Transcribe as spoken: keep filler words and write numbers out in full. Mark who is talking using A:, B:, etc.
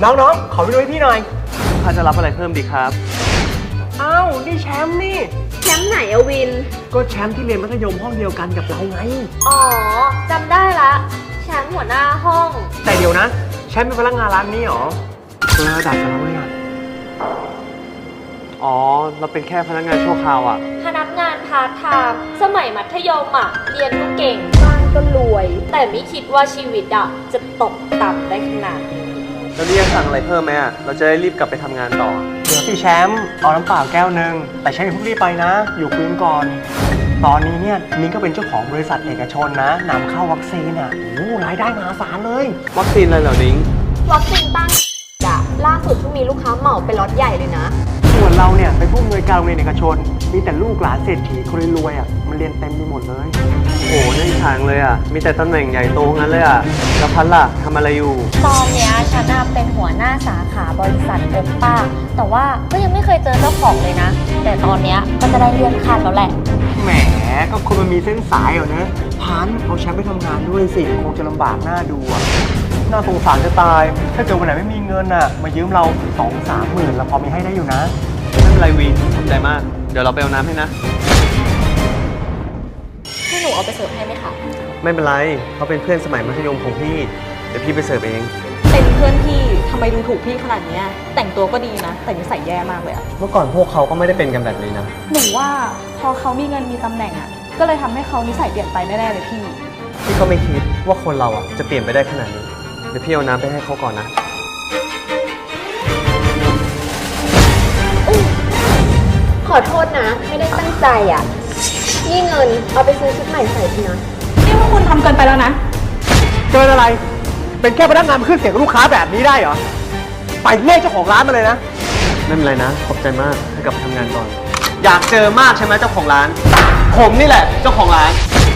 A: น้องๆขอไปดูให้พี่หน่อย
B: ถ้าจะรับอะไรเพิ่มดีครับ
A: อ้าวนี่แชมป์นี่
C: แชมป์ไหนอะวิน
A: ก็แชมป์ที่เรียนมัธยมห้องเดียวกันกับเราไง
C: อ๋อจำได้ละแชมป์หัวหน้าห้อง
A: แต่เดี๋ยวนะแชมป์เป็นพนักงานร้านนี้เหรอคนละระดับกับเราเลยอ่ะ
B: อ๋อ เราเป็นแค่พนักงานชั่วคราวอ่ะ
C: พนักงานพาร์ทไทม์สมัยมัธยมอะเรียนก็เก่งบ้านก็รวย แต่ไม่คิดว่าชีวิตอะจะตกต่ำได้ขนาดนี้
B: แล้วนี่จะสั่งอะไรเพิ่มไหมอ่ะ เราจะได้รีบกลับไปทำงานต่อ
A: เดี๋ยวสิแชมป์เอาน้ำเปล่าแก้วหนึ่งแต่แชมป์อย่าเพิ่งรีบไปนะ อยู่คุยกันก่อน ตอนนี้เนี่ยมิ้นก็เป็นเจ้าของบริษัทเอกชนนะนำเข้าวัคซีนอ่ะโอ้รายได้มหาศาลเลย
B: วัคซีนอะไรเหรอนิ้ง
C: วัคซีนต้านอะล่าสุดเพิ่งมีลูกค้าเหมาเป็นล็อตใหญ่เลยนะ
A: ส่วนเราเนี่ยเป็นผู้อำนวยการโรงเรียนเอกชน มีแต่ลูกหลานเศรษฐีคนรวยๆอ่ะมันเรียนเต็มไปหมดเลย
B: โอ้โหน่าอิจฉาเลยอ่ะ มีแต่ตำแหน่งใหญ่โตงั้นเลยอ่ะ แล้วพัดล่ะทำอะไรอยู่
C: ตอนเนี้ยฉันน่ะเป็นหัวหน้าสาขาบริษัทโอป้า แต่ว่าก็ยังไม่เคยเจอเจ้าของเลยนะ แต่ตอนเนี้ยก็จะได้เลื่อนขั้นแล้วแหละ
A: แหมก็คนมันมีเส้นสายเหรอนะพันเอาแชมป์ไปทำงานด้วยสิคงจะลำบากหน้าดูอ่ะน่าสงสารจะตาย ถ้าเกิดวันไหนไม่มีเงินอ่ะมายืมเราสองสามหมื่นเราพอมีให้ได้อยู่นะ
B: ไม่เป็นไรวีขอบใจมาก เดี๋ยวเราไปเอาน้ำให้นะ
C: ให้หนูเอาไปเสิร์ฟให้ไหมคะ
B: ไม่เป็นไร เขาเป็นเพื่อนสมัยมัธยมของพี่ เดี๋ยวพี่ไปเสิร์ฟเอง
D: เป็นเพื่อนพี่ทำไมดูถูกพี่ขนาดเนี้ยแต่งตัวก็ดีนะ แต่นิสัยแย่มากเลยอะ
B: เมื่อก่อนพวกเขาก็ไม่ได้เป็นกันแบบนี้นะ
D: หนูว่าพอเขามีเงินมีตำแหน่งอะก็เลยทำให้เขานิสัยเปลี่ยนไปแน่ๆเลยพี่
B: พี่ก็ไม่คิดว่าคนเราอ่ะจะเปลี่ยนไปได้ขนาดนี้ เดี๋ยวพี่เอาน้ำไปให้เขาก่อนนะ
C: ขอโทษนะ ไม่ได้ตั้งใจอ่ะ นี่เงินเอาไปซื้อชุดใหม่ใส่ทีนะ
D: นี่ว่าคุณทำเกินไปแล้วนะ
A: เกินอะไร เป็นแค่พนักงานมาขึ้นเสียงกับลูกค้าแบบนี้ได้เหรอ ไปเรียกเจ้าของร้านมาเลยนะ
B: ไม่เป็นไรนะ ขอบใจมาก ให้กลับไปทำงานก่อน อยากเจอมากใช่ไหมเจ้าของร้าน ผมนี่แหละเจ้าของร้าน